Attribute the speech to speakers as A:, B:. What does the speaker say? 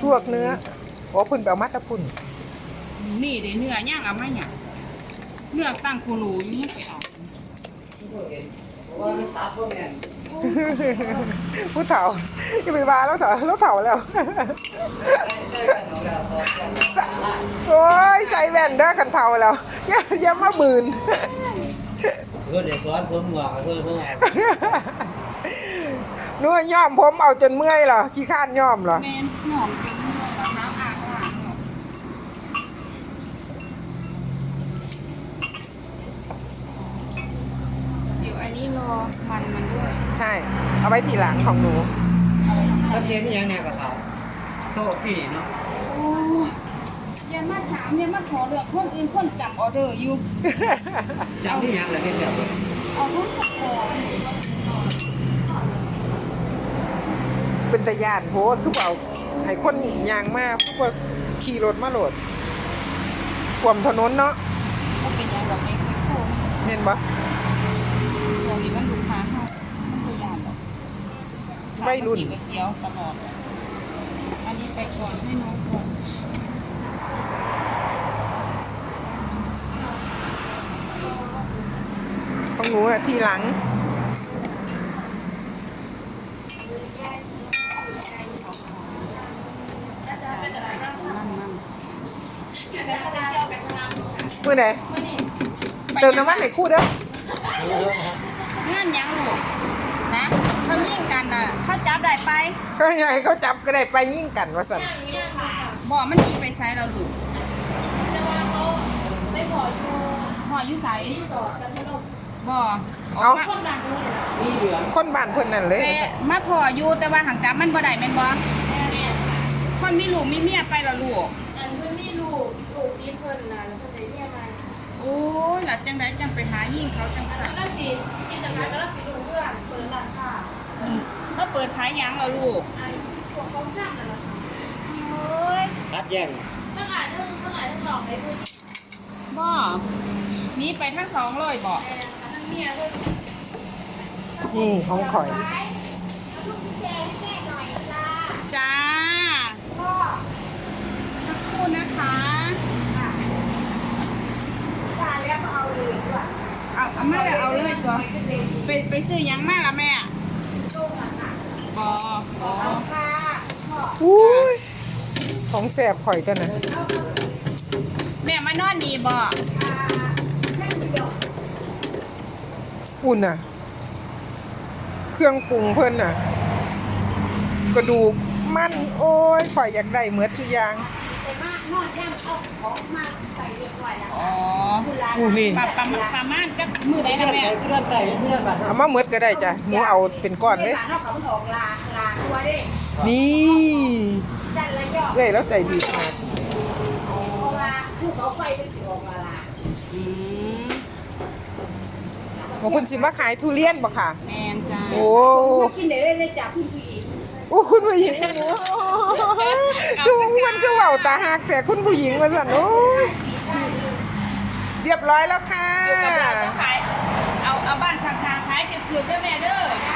A: วกเนื้อโอ้พุ่นไปเอามาตะพุ่น
B: นี่เดี๋ยวเนื้อย่างเอามาเนี่ยเนื้อตั้งโคโลอยู่นี่ไปเอา
A: ผู้เฒ่าอย่าไปว่าแล้วเฒ่าแล้วโอ้ยใส่แว่นเด้อกันเฒ่าแล้วอย่ามาบืน
C: เดี๋ยวซ้อนผมหัวเพื่อน
A: นู่นย่อมผมเอาจนเมื่อยเหรอขี้ข้านย่อมเหรอ
B: แม่นหอมจนเนื้อมะพร้าวอาหารเดี๋ยวอันนี้รอมันด้วย
A: ใช่ เอาไว้ทีหลังของหนู
C: แล้วเพียงที่ยังแนวกับเขาโต๊ะที่เนาะ
B: โอ้ยันมาถามยันมาสอนเรื่องคนอื่นคนจับออเดอร์อยู่
C: จำที่ยังเลยที่เดียว
B: เอาทุกคน
A: เป็นตะยานโพสทุกเอาให้คนยางมากทุกว่าขี่รถมาโหลดความถนนเนาะ
B: ก็เป็นอย่างแบบในคุยโค้ง
A: เห็นบ่
B: ตรงนี้มันลูกค้าเขามันตัวอย่างแบบ
A: วัยรุ่น
B: กินก๋วยเตี๋ยวตลอดอันนี้ไปก่อนให้น้องก่อน
A: ของหนูอะทีหลังเมื่อไหร่เติมน้ำมันให้คู่เด้อง
B: านยังลูกนะเขายิ่งกันอ่ะเขาจับได้ไป
A: ก็ให้เขาจับก็ได้ไปยิ่งกันว่าสั่น
B: บ่มันหนีไปไซเราลูกพออยู่ไซบ่
A: เอา
C: นี่เหลือง
A: คนบ้านเพิ่นนั่นเลย
B: แต่มาพออยู่แต่ว่าหางจับมันบ่ได้แม่นบ่คนมีลูกมีเมียไปแล้วลูก
D: อันเพิ่นมีลูกมีเพิ่นน่ะแล้วเพิ่นได้เมียใหม่
B: โอ้ยหลับจังไดจังไปหายิ่งเขาจัง
D: อัน
B: สั่
D: นั้น นละสิกิจการก็ละสิลูกเพื่อนเปิดร้านค้า
B: เขาเปิดขายหยังแล้วลูก
D: อันพวกของช่างนั่นล่ะค่ะ
B: โอ้ย
C: คัดแย่ง
D: ทั้งอ่านทั้งหลอกให้เพิ่น
B: บ่หนีไปทั้งสองเลยบ่
D: แต่ทั้งเมียเพิ่น
A: นี่ของข่อย
B: จ้าสักครู่นะคะ
D: แล้วก็เอาเลยด้วย
B: เอามาแล้วเอาเลยตัวไปซื้อหยังมาละแม่
D: ต้มอ่ะค่ะ
B: บ่บ่
D: ค่ะพ่อ
A: อุ้ยของแสบข่อยตัวน่ะ
B: แม่มานอนดีบ่
D: นั่นเดียว
A: อุ่นน่ะ เครื่องปรุงเพิ่นน่ะ กระดูกมันโอ้ยข่อยอยากได้เหมือนทุกอย่าง
D: แต่มากนอนย่างเอาของมาใส่เรียบร้อยแล้ว
B: อ๋อ
A: อู้นี่
B: ประมาณกับมือใดนะแม่
C: ใช้เพื่อนไก่เพื่อนบัตร
A: เอามาเหมือดก็ได้จ้ะหนูเอาเป็นก้อนเลย
D: เท่ากับมันออกลาตัวเด้
A: นี่
D: จันละยอด
A: เอ้ยแล้วใจดีมาก
D: เพราะว่าภูเขาไฟเป็นสิออกลา
B: อืม
A: บอกคุณสิมาขายทุเรียนบ่ค่ะ
B: แม่นจ้า
A: โอ้
D: กินได้เลยจ้ะคุณผู้หญิง
A: โอ้คุณผู้หญิงหนูดูมันก็เว้าตาหักแต่คุณผู้หญิงว่าสั่นโอ้ยเรียบร้อยแล้วค่ะ
B: ขายเอาบ้านข้างๆขายคือๆเด้อแม่เด้อ